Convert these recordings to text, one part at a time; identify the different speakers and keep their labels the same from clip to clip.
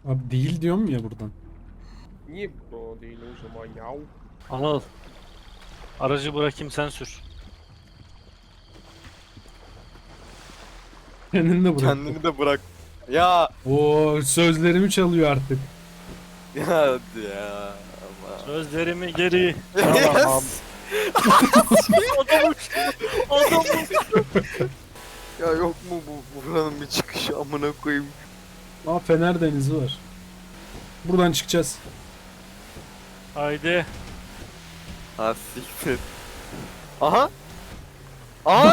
Speaker 1: Abi değil diyorum ya buradan.
Speaker 2: Niye bu değil o zaman ya?
Speaker 3: Anıl. Aracı bırakayım sen sür.
Speaker 1: Kendini de bırak.
Speaker 4: Kendini de bırak. Ya.
Speaker 1: Oo, sözlerimi çalıyor artık.
Speaker 4: Ya hadi ya. Allah.
Speaker 3: Sözlerimi geri
Speaker 4: Yes.
Speaker 3: alamam. Adamım. Adamım.
Speaker 4: Ya yok mu bu buranın bir çıkışı amına koyayım.
Speaker 1: Aa, Fener Denizi var. Buradan çıkacağız.
Speaker 3: Haydi.
Speaker 4: Ha siktir. Aha. Aha.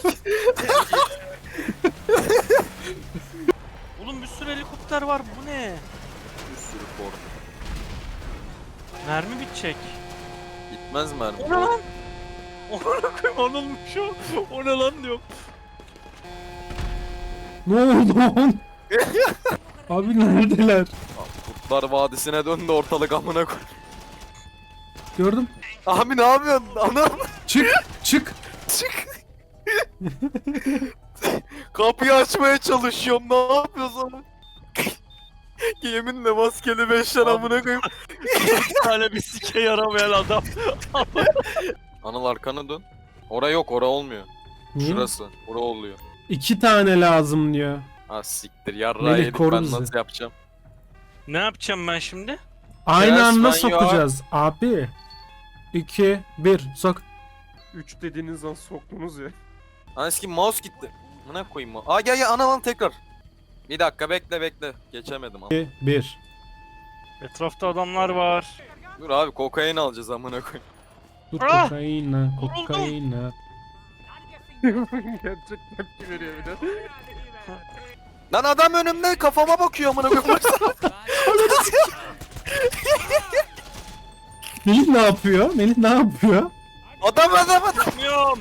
Speaker 3: Oğlum bir sürü helikopter var, bu ne?
Speaker 4: Bir sürü korku.
Speaker 3: Mermi bitecek.
Speaker 4: Gitmez mermi.
Speaker 3: O ne lan? Ona koyayım, Anılmış o. O ne lan diyorum.
Speaker 1: Ne oldu lan? Abi neredeler?
Speaker 4: Kurtlar Vadisi'ne döndü ortalık amına koy.
Speaker 1: Gördüm.
Speaker 4: Abi ne yapıyorsun? Anam.
Speaker 1: Çık, çık.
Speaker 4: Çık. Kapıyı açmaya çalışıyorum. Ne yapıyorsun? Yeminle maskeli 5'ler amına koyayım.
Speaker 3: Bir tane bir sike yaramayan adam.
Speaker 4: Anıl arkana dön. Ora yok, ora olmuyor.
Speaker 1: Niye?
Speaker 4: Şurası. Ora oluyor.
Speaker 1: 2 tane lazım diyor.
Speaker 4: Ha siktir yarra
Speaker 1: Melih,
Speaker 4: yedik
Speaker 1: koru
Speaker 4: ben
Speaker 1: bizi.
Speaker 4: nasıl yapacağım?
Speaker 3: Ne yapacağım ben şimdi?
Speaker 1: Aynı
Speaker 4: Yes,
Speaker 1: anda
Speaker 4: man,
Speaker 1: sokacağız abi. 2, 1, sok.
Speaker 2: 3 dediğiniz an soktunuz ya.
Speaker 4: Eski mouse gitti. Buna koyayım mı? Aa gel ana lan tekrar. Bir dakika bekle. Geçemedim ama.
Speaker 1: 2, 1.
Speaker 3: Etrafta adamlar var.
Speaker 4: Dur abi kokain alacağız amına koyayım.
Speaker 1: Dur,
Speaker 3: Ah!
Speaker 1: kokaina,
Speaker 3: Vuruldum.
Speaker 1: kokaina.
Speaker 2: Gerçek tepki veriyor bir de.
Speaker 4: Lan adam önümde kafama bakıyor amına koyayım.
Speaker 1: Melih ne yapıyor? Melih ne yapıyor?
Speaker 4: adam.
Speaker 3: Bilmiyorum.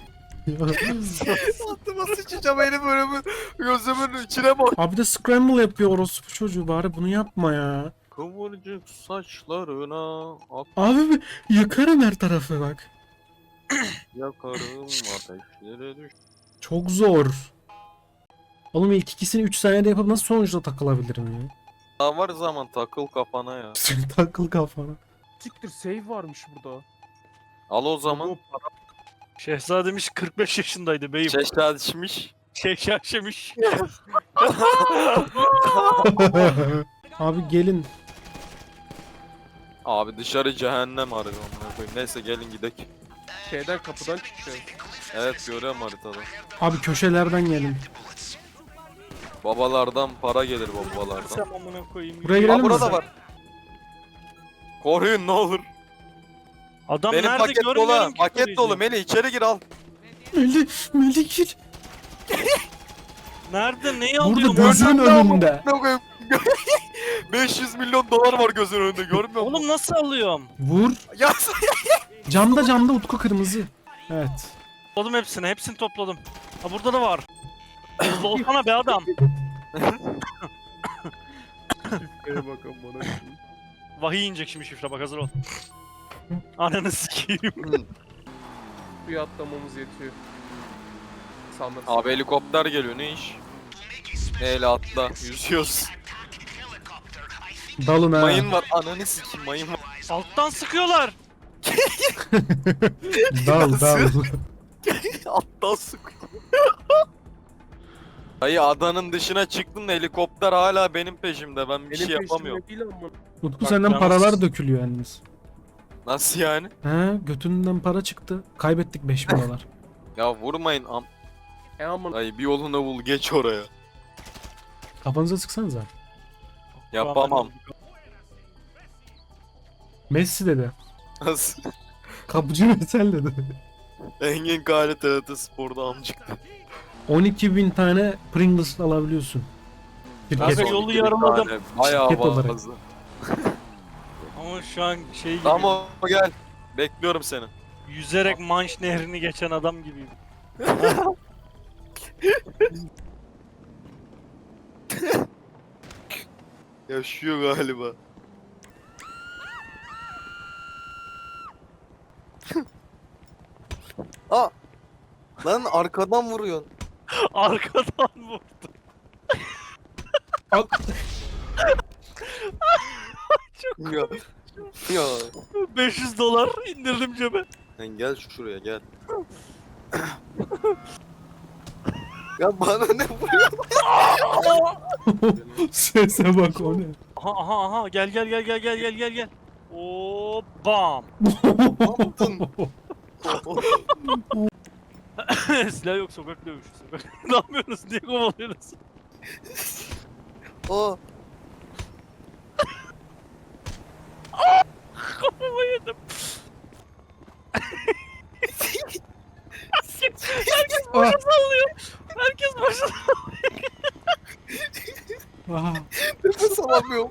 Speaker 4: Altıma sıçacağım elim önümü. Gözümün içine bak.
Speaker 1: Abi de scramble yapıyor orospu çocuğu, bari bunu yapma ya.
Speaker 4: Kıvırcık saçlarına ak
Speaker 1: Abi yakarım her tarafı bak.
Speaker 4: yakarım ateşlere düş.
Speaker 1: Çok zor. Oğlum ilk ikisini 3 saniyede yapıp nasıl sonuçta takılabilirim ya?
Speaker 4: Daha var zaman takıl kafana ya.
Speaker 1: Takıl kafana.
Speaker 2: Siktir save varmış burada.
Speaker 4: Al o zaman.
Speaker 3: Şehzademiz 45 yaşındaydı beyim.
Speaker 4: Çeşit içmiş.
Speaker 3: Şaşamış.
Speaker 1: Abi gelin.
Speaker 4: Abi dışarı cehennem arıyor amına koyayım. Neyse gelin gidelim.
Speaker 2: Şeyden kapıdan çıkıyor.
Speaker 4: Evet görüyorum haritada.
Speaker 1: Abi köşelerden gelin.
Speaker 4: Babalardan para gelir babalardan.
Speaker 3: Sen amına koyayım.
Speaker 1: Buraya girelim
Speaker 4: Aa
Speaker 1: mi?
Speaker 4: burada var. Koruyun ne olur.
Speaker 3: Adam
Speaker 4: Benim
Speaker 3: nerede
Speaker 4: paket
Speaker 3: görmüyorum
Speaker 4: dolu.
Speaker 3: ki
Speaker 4: Paket
Speaker 3: koruyucu.
Speaker 4: dolu Melih içeri gir al.
Speaker 1: Melih gir.
Speaker 3: Nerede? Neyi
Speaker 1: Burada
Speaker 3: alıyorum?
Speaker 1: gözünün önünde.
Speaker 4: Ne koyayım? 500 milyon dolar var gözün önünde görmüyor musun?
Speaker 3: Oğlum nasıl alıyorum?
Speaker 1: Vur.
Speaker 4: Ya
Speaker 1: Camda Utku kırmızı. Evet.
Speaker 3: Topladım hepsini. Hepsini topladım. Ha burada da var. Hızlı olsana be adam.
Speaker 2: Şifreye bakın bana.
Speaker 3: Vahiy inecek şimdi şifre, bak hazır ol. Ananı sikeyim.
Speaker 2: Suya atlamamız yetiyor. Sanırsın.
Speaker 4: Abi helikopter geliyor ne iş? Neyle atla yüzüyoruz.
Speaker 1: Dalın ha.
Speaker 4: Mayın var ananı sikeyim mayın var.
Speaker 3: Alttan sıkıyorlar.
Speaker 1: Dal.
Speaker 4: Alttan sıkıyor. Hayır adanın dışına çıktım da helikopter hala benim peşimde ben bir
Speaker 2: Benim
Speaker 4: şey yapamıyorum.
Speaker 2: peşimde değil ama.
Speaker 1: Utku
Speaker 3: Bak,
Speaker 1: senden
Speaker 3: yalnız-
Speaker 1: paralar dökülüyor yalnız.
Speaker 4: Nasıl yani?
Speaker 1: He, götünden para çıktı. Kaybettik 5000 dolar.
Speaker 4: Ya vurmayın
Speaker 2: Aman.
Speaker 4: Ay bir yolunu bul geç oraya.
Speaker 1: Kafanıza sıksanıza.
Speaker 4: Yapamam.
Speaker 1: Messi dedi.
Speaker 4: Nasıl?
Speaker 1: Kapıcı Mesel dedi.
Speaker 4: Engin Kale TRT Spor'da amcıktı.
Speaker 1: 12.000 tane Pringles alabiliyorsun.
Speaker 3: Kanka
Speaker 1: Şirket,
Speaker 3: yolu yarıladım.
Speaker 4: Bayağı
Speaker 1: Şirket olarak.
Speaker 4: fazla.
Speaker 3: Ama şu an şey gibi.
Speaker 4: Tamam gel. Bekliyorum seni.
Speaker 3: Yüzerek Manş nehrini geçen adam gibiyim.
Speaker 4: Yaşıyor galiba. Aa! Lan arkadan vuruyorsun.
Speaker 3: Arkadan vurdu.
Speaker 4: Ya. Ya.
Speaker 3: 500 dolar indirdim cebe.
Speaker 4: Sen gel şuraya gel. Ya bana ne vuruyor?
Speaker 1: Sese bak o ne?
Speaker 3: Aha aha aha gel gel gel gel gel gel gel gel. Oo bam. Silah yok sokak dövüşü sokak. Ne yapıyorsunuz? Niye kovalıyorsunuz?
Speaker 4: Aa.
Speaker 3: Kafama yedim. Herkes
Speaker 1: Ah.
Speaker 3: başa sallıyor. Herkes başa
Speaker 1: Aha.
Speaker 4: Nefes alamıyorum.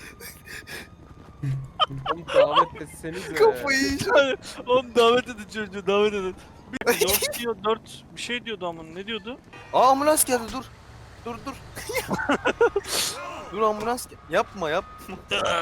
Speaker 2: Oğlum davet etsenize.
Speaker 4: Kafayı yiyeceğim.
Speaker 3: sallıyor. Oğlum davet edin çocuğu davet edin. 4 diyor 4 bir şey diyordu ama ne diyordu?
Speaker 4: Aa ambulans geldi dur. Dur dur. Dur ambulans gel. Yapma yapma.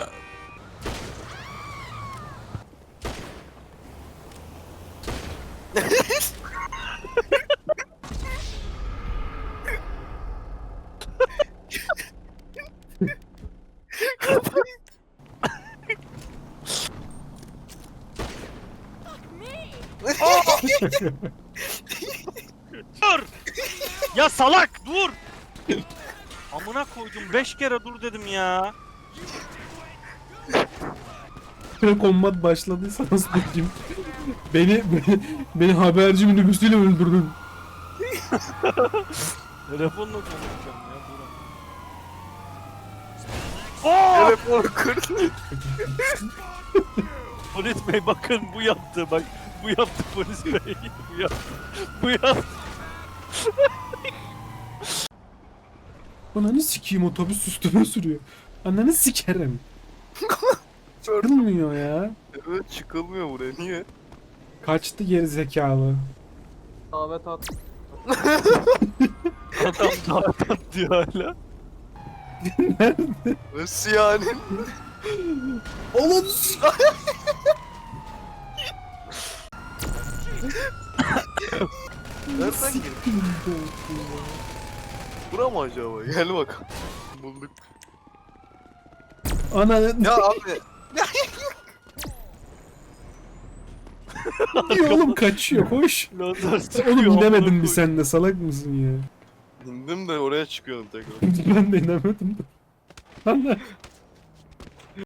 Speaker 3: Dur! Ya salak dur! Amına koydum 5 kere dur dedim ya.
Speaker 1: Kombat başladıysa nasıl diyeyim? Beni haberci minibüsüyle öldürdün.
Speaker 3: Telefonla konuşacağım ya dur. Oo!
Speaker 4: Telefonu kırdı.
Speaker 3: Polis bey bakın bu yaptı bak. Bu yaptı polis bey. Bu yaptı. Bu yaptı.
Speaker 1: Ananı sikeyim otobüs üstüme sürüyor. Ananı sikerim. Çıkılmıyor ya.
Speaker 4: Evet çıkılmıyor buraya niye?
Speaker 1: Kaçtı geri zekalı.
Speaker 2: Davet at.
Speaker 3: Adam dağıtan diyor hala.
Speaker 4: Nasıl yani?
Speaker 1: Oğlum
Speaker 4: Nereden girdin? Bura mı acaba? Gel bakalım. Bulduk.
Speaker 1: Ananı
Speaker 4: Ya abi.
Speaker 1: diyor oğlum kaçıyor hoş.
Speaker 3: Lazer sıkıyor.
Speaker 1: Oğlum
Speaker 3: amına
Speaker 1: inemedin
Speaker 3: koyayım.
Speaker 1: bir sen de salak mısın ya?
Speaker 4: İndim de oraya çıkıyordum tekrar.
Speaker 1: Ben de inemedim de. Lan